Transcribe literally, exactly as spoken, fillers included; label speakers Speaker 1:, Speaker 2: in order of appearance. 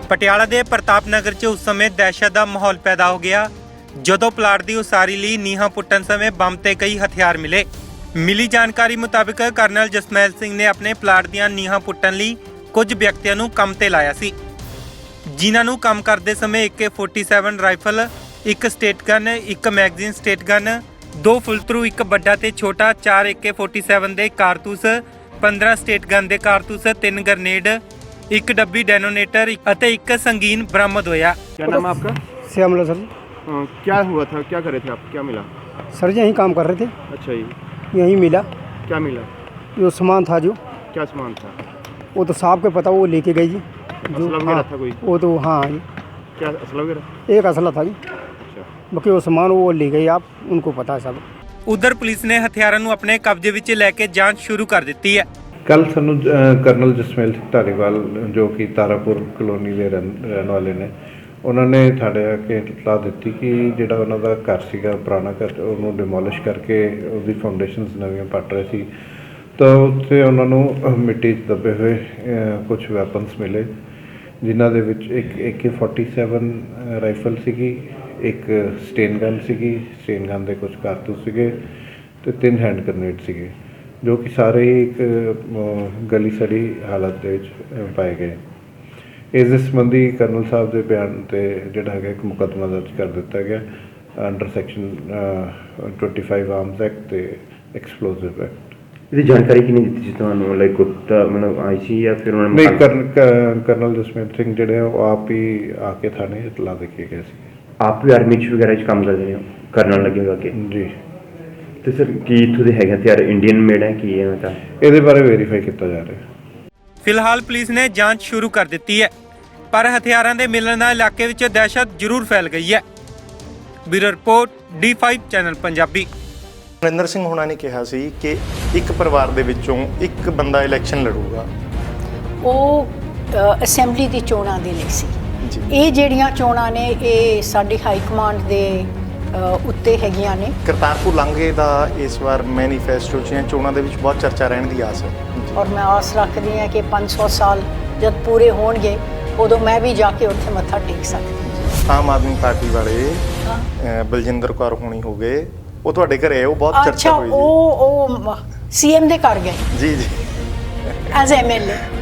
Speaker 1: ਪਟਿਆਲਾ ਦੇ ਪ੍ਰਤਾਪ ਨਗਰ 'ਚ ਉਸ ਸਮੇਂ ਦਹਿਸ਼ਤ ਦਾ ਮਾਹੌਲ ਪੈਦਾ ਹੋ ਗਿਆ ਜਦੋਂ ਪਲਾਟ ਦੀ ਉਸਾਰੀ ਲਈ ਨੀਹਾਂ ਪੁੱਟਣ ਸਮੇਂ ਬੰਬ ਤੇ ਕਈ ਹਥਿਆਰ ਮਿਲੇ। ਮਿਲੀ ਜਾਣਕਾਰੀ ਮੁਤਾਬਕ ਕਰਨਲ ਜਸਮੈਲ ਸਿੰਘ ਨੇ ਆਪਣੇ ਪਲਾਟ ਦੀਆਂ ਨੀਹਾਂ ਪੁੱਟਣ ਲਈ ਕੁਝ ਵਿਅਕਤੀਆਂ ਨੂੰ ਕੰਮ ਤੇ ਲਾਇਆ ਸੀ, ਜਿਨ੍ਹਾਂ ਨੂੰ ਕੰਮ ਕਰਦੇ ਸਮੇਂ ਏ ਕੇ ਸੈਂਤਾਲੀ ਰਾਈਫਲ, ਇੱਕ ਸਟੇਟ ਗਨ, ਇੱਕ ਮੈਗਜ਼ੀਨ ਸਟੇਟ ਗਨ, ਦੋ ਫੁੱਲਥਰੂ, ਇੱਕ ਵੱਡਾ ਤੇ ਛੋਟਾ, ਚਾਰ ਏ ਕੇ ਸੈਂਤਾਲੀ ਦੇ ਕਾਰਤੂਸ, ਪੰਦਰਾਂ ਸਟੇਟ ਗਨ ਦੇ ਕਾਰਤੂਸ, ਤਿੰਨ ਗ੍ਰਨੇਡ, एक डब्बी डेनोनेटर और एक संगीन बरामद होया।
Speaker 2: क्या नाम है आपका?
Speaker 3: श्यामला सर।
Speaker 2: आ, क्या हुआ था, क्या कर रहे थे आप, क्या मिला?
Speaker 3: सर जी यहीं काम कर रहे थे।
Speaker 2: अच्छा जी,
Speaker 3: यहीं मिला।
Speaker 2: क्या मिला?
Speaker 3: जो सामान था, जो
Speaker 2: क्या सामान था?
Speaker 3: वो तो साहब को पता, वो लेके गई जी।
Speaker 2: असला वगैरह
Speaker 3: हाँ,
Speaker 2: था कोई?
Speaker 3: वो तो हाँ जी।
Speaker 2: क्या असला वगैरह?
Speaker 3: एक असला था जी।
Speaker 2: अच्छा,
Speaker 3: बाकी वो सामान वो ले गई, आप उनको पता है सब।
Speaker 1: उधर पुलिस ने हथियारों को अपने कब्जे विच लैके जांच शुरू कर दी है।
Speaker 4: ਕੱਲ੍ਹ ਸਾਨੂੰ ਕਰਨਲ ਜਸਮੇਲ ਸਿੰਘ ਧਾਰੀਵਾਲ ਜੋ ਕਿ ਤਾਰਾਪੁਰ ਕਲੋਨੀ ਦੇ ਰਹਿਣ ਰਹਿਣ ਵਾਲੇ ਨੇ, ਉਹਨਾਂ ਨੇ ਸਾਡੇ ਆ ਕੇ ਇਤਲਾਹ ਦਿੱਤੀ ਕਿ ਜਿਹੜਾ ਉਹਨਾਂ ਦਾ ਘਰ ਸੀਗਾ ਪੁਰਾਣਾ ਘਰ, ਉਹਨੂੰ ਡਿਮੋਲਿਸ਼ ਕਰਕੇ ਉਹਦੀ ਫਾਊਂਡੇਸ਼ਨਸ ਨਵੀਆਂ ਪੱਟ ਰਹੇ ਸੀ। ਤਾਂ ਉੱਥੇ ਉਹਨਾਂ ਨੂੰ ਮਿੱਟੀ 'ਚ ਦੱਬੇ ਹੋਏ ਕੁਝ ਵੈਪਨਸ ਮਿਲੇ, ਜਿਨ੍ਹਾਂ ਦੇ ਵਿੱਚ ਇੱਕ ਏ ਕੇ ਸੈਂਤਾਲੀ ਰਾਈਫਲ ਸੀਗੀ, ਇੱਕ ਸਟੇਨ ਗਨ ਸੀਗੀ, ਸਟੇਨ ਗਨ ਦੇ ਕੁਝ ਕਾਰਤੂਸ ਸੀਗੇ ਅਤੇ ਤਿੰਨ ਹੈਂਡ ਗ੍ਰਨੇਡ ਸੀਗੇ, ਜੋ ਕਿ ਸਾਰੇ ਹੀ ਇੱਕ ਗਲੀ ਸੜੀ ਹਾਲਤ ਦੇ ਵਿੱਚ ਪਾਏ ਗਏ। ਇਸ ਦੇ ਸੰਬੰਧੀ ਕਰਨਲ ਸਾਹਿਬ ਦੇ ਬਿਆਨ 'ਤੇ ਜਿਹੜਾ ਹੈਗਾ ਇੱਕ ਮੁਕੱਦਮਾ ਦਰਜ ਕਰ ਦਿੱਤਾ ਗਿਆ ਅੰਡਰ ਸੈਕਸ਼ਨ ਪੱਚੀ ਆਰਮਸ ਐਕਟ ਅਤੇ ਐਕਸਪਲੋਸਿਵ ਐਕਟ।
Speaker 5: ਇਹਦੀ ਜਾਣਕਾਰੀ ਕਿਹਨੇ ਦਿੱਤੀ ਸੀ ਤੁਹਾਨੂੰ? ਲਾਈਕ ਗੁਪਤਾ ਮਤਲਬ ਆਈ ਸੀ ਜਾਂ ਫਿਰ ਉਹਨਾਂ ਨੇ?
Speaker 4: ਨਹੀਂ, ਕਰਨ ਕਰਨਲ ਜਸਮੇਲ ਸਿੰਘ ਜਿਹੜੇ ਆ ਉਹ ਆਪ ਹੀ ਆ ਕੇ ਥਾਣੇ ਇਤਲਾਹ ਦੇ ਕੇ ਗਏ ਸੀ।
Speaker 5: ਆਪ ਵੀ ਆਰਮੀ 'ਚ ਵਗੈਰਾ 'ਚ ਕੰਮ ਕਰਦੇ ਨੇ, ਕਰਨ ਲੱਗੇ ਹੋ ਅੱਗੇ
Speaker 4: ਜੀ।
Speaker 5: ਤੇ ਸਰ ਕੀ ਇੱਥੋਂ ਦੇ ਹੈਗੇ ਹਥਿਆਰ ਇੰਡੀਅਨ ਮੇਡ ਹੈ ਕੀ ਹੈ? ਤਾਂ
Speaker 4: ਇਹਦੇ ਬਾਰੇ ਵੈਰੀਫਾਈ ਕੀਤਾ ਜਾ ਰਿਹਾ।
Speaker 1: ਫਿਲਹਾਲ ਪੁਲਿਸ ਨੇ ਜਾਂਚ ਸ਼ੁਰੂ ਕਰ ਦਿੱਤੀ ਹੈ, ਪਰ ਹਥਿਆਰਾਂ ਦੇ ਮਿਲਣ ਨਾਲ ਇਲਾਕੇ ਵਿੱਚ ਦਹਿਸ਼ਤ ਜ਼ਰੂਰ ਫੈਲ ਗਈ ਹੈ। Bureau report D five channel Punjabi.
Speaker 6: Narinder Singh ਹੋਣਾ ਨੇ ਕਿਹਾ ਸੀ ਕਿ ਇੱਕ ਪਰਿਵਾਰ ਦੇ ਵਿੱਚੋਂ ਇੱਕ ਬੰਦਾ ਇਲੈਕਸ਼ਨ ਲੜੂਗਾ।
Speaker 7: ਉਹ ਅਸੈਂਬਲੀ ਦੀ ਚੋਣਾਂ ਦੇ ਲਈ ਸੀ। ਇਹ ਜਿਹੜੀਆਂ ਚੋਣਾਂ ਨੇ ਇਹ ਸਾਡੀ ਹਾਈ ਕਮਾਂਡ ਦੇ ਉੱਤੇ ਹੈਗੀਆਂ ਨੇ।
Speaker 6: ਕਰਤਾਰਪੁਰ ਲਾਂਘੇ ਦਾ ਇਸ ਵਾਰ ਮੈਨੀਫੈਸਟੋ 'ਚ ਚੋਣਾਂ ਦੇ ਵਿੱਚ ਬਹੁਤ ਚਰਚਾ ਰਹਿਣ ਦੀ ਆਸ ਹੈ
Speaker 7: ਔਰ ਮੈਂ ਆਸ ਰੱਖਦੀ ਹਾਂ ਕਿ ਪੰਜ ਸੌ ਸਾਲ ਜਦ ਪੂਰੇ ਹੋਣਗੇ ਉਦੋਂ ਮੈਂ ਵੀ ਜਾ ਕੇ ਉੱਥੇ ਮੱਥਾ ਟੇਕ ਸਕਦੀ।
Speaker 6: ਆਮ ਆਦਮੀ ਪਾਰਟੀ ਵਾਲੇ ਬਲਜਿੰਦਰ ਕੌਰ ਹੋਣੀ ਹੋ ਗਏ, ਉਹ ਤੁਹਾਡੇ ਘਰੇ ਉਹ ਬਹੁਤ ਚਰਚਾ ਹੋਈ।
Speaker 7: ਉਹ ਉਹ ਸੀ ਐਮ ਦੇ ਘਰ ਗਏ
Speaker 6: ਜੀ ਜੀ
Speaker 7: ਐਜ਼ ਐਮ ਐਲ ਏ।